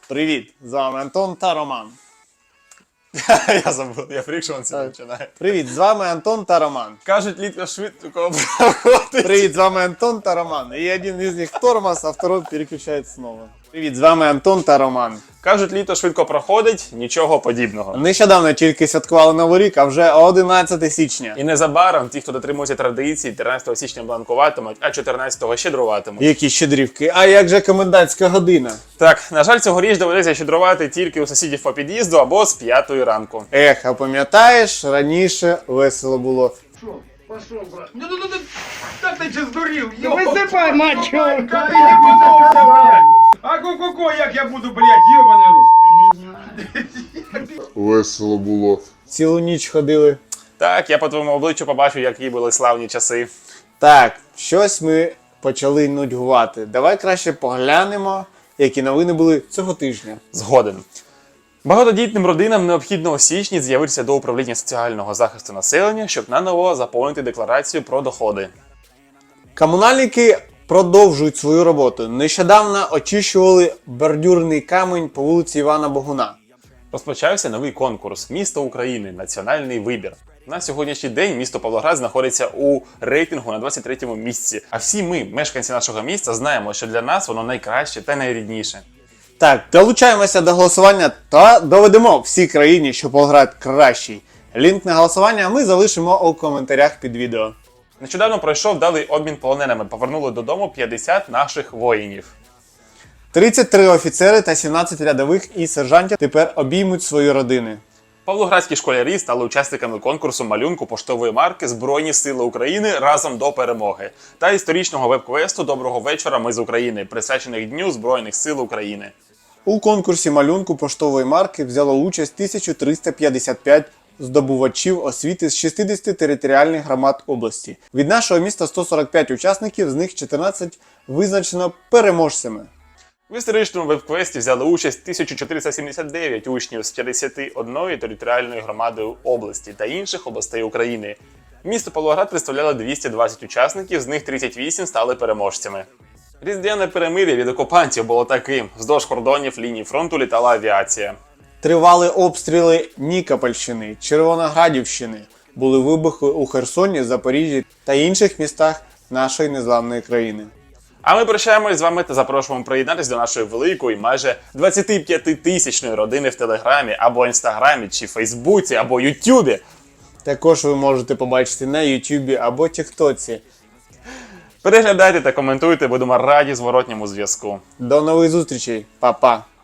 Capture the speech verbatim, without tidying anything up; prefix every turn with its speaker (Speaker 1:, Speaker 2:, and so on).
Speaker 1: Привіт! З вами Антон та Роман.
Speaker 2: Я забув, я фрік, що він це починає.
Speaker 1: Привіт, з вами Антон та Роман.
Speaker 2: Кажуть, літка швидко проходить.
Speaker 1: Привіт, з вами Антон та Роман. І один із них тормоз, а второй переключається знову. Привіт, з вами Антон та Роман.
Speaker 2: Кажуть, літо швидко проходить, нічого подібного.
Speaker 1: Нещодавно тільки святкували Новий рік, а вже одинадцяте січня.
Speaker 2: І незабаром ті, хто дотримується традиції, тринадцятого січня бланкуватимуть, а чотирнадцятого щедруватимуть.
Speaker 1: Які щедрівки. А як же комендантська година?
Speaker 2: Так, на жаль, цьогоріч доведеться щедрувати тільки у сусідів по під'їзду або з п'ятої ранку.
Speaker 1: Ех, а пам'ятаєш, раніше весело було.
Speaker 3: Шо, пошел, брат. Ну, ну, ну, ну, так ты че сдурил,
Speaker 4: Да высыпай, мать его!
Speaker 3: Как ты ебанулся, блядь? А ку-ку-ку, як я буду, блядь, ебаный рот?
Speaker 1: Весело було. Цілу ніч ходили.
Speaker 2: Так, я по твоєму обличчю побачу, які були славні часи.
Speaker 1: Так, щось ми почали нудьгувати. Давай краще поглянемо, які новини були цього тижня.
Speaker 2: Згоден. Багатодітним родинам необхідно у січні з'явитися до управління соціального захисту населення, щоб наново заповнити декларацію про доходи.
Speaker 1: Комунальники продовжують свою роботу. Нещодавно очищували бордюрний камінь по вулиці Івана Богуна.
Speaker 2: Розпочався новий конкурс «Місто України. Національний вибір». На сьогоднішній день місто Павлоград знаходиться у рейтингу на двадцять третьому місці. А всі ми, мешканці нашого міста, знаємо, що для нас воно найкраще та найрідніше.
Speaker 1: Так, долучаємося до голосування та доведемо всій країні, що Павлоград кращий. Лінк на голосування ми залишимо у коментарях під відео.
Speaker 2: Нещодавно пройшов вдалий обмін полоненими. Повернули додому п'ятдесят наших воїнів.
Speaker 1: тридцять три офіцери та сімнадцять рядових і сержантів тепер обіймуть свої родини.
Speaker 2: Павлоградські школярі стали учасниками конкурсу малюнку поштової марки «Збройні сили України разом до перемоги» та історичного веб-квесту «Доброго вечора, ми з України», присвячених Дню Збройних сил України.
Speaker 1: У конкурсі малюнку поштової марки взяло участь тисяча триста п'ятдесят п'ять здобувачів освіти з шістдесяти територіальних громад області. Від нашого міста сто сорок п'ять учасників, з них чотирнадцять визначено переможцями.
Speaker 2: В історичному веб-квесті взяли участь тисяча чотириста сімдесят дев'ять учнів з п'ятдесяти однієї територіальної громади області та інших областей України. Місто Павлоград представляло двісті двадцять учасників, з них тридцять вісім стали переможцями. Різдвяне перемир'я від окупантів було таким. Вздовж кордонів лінії фронту літала авіація.
Speaker 1: Тривали обстріли Нікопольщини, Червоноградівщини. Були вибухи у Херсоні, Запоріжжі та інших містах нашої незламної країни.
Speaker 2: А ми прощаємось з вами та запрошуємо приєднатися до нашої великої, майже двадцятип'ятитисячної родини в Телеграмі, або Інстаграмі, чи Фейсбуці, або Ютубі.
Speaker 1: Також ви можете побачити на Ютубі або Тіктоці.
Speaker 2: Переглядайте та коментуйте, будемо раді зворотньому зв'язку.
Speaker 1: До нових зустрічей, па-па!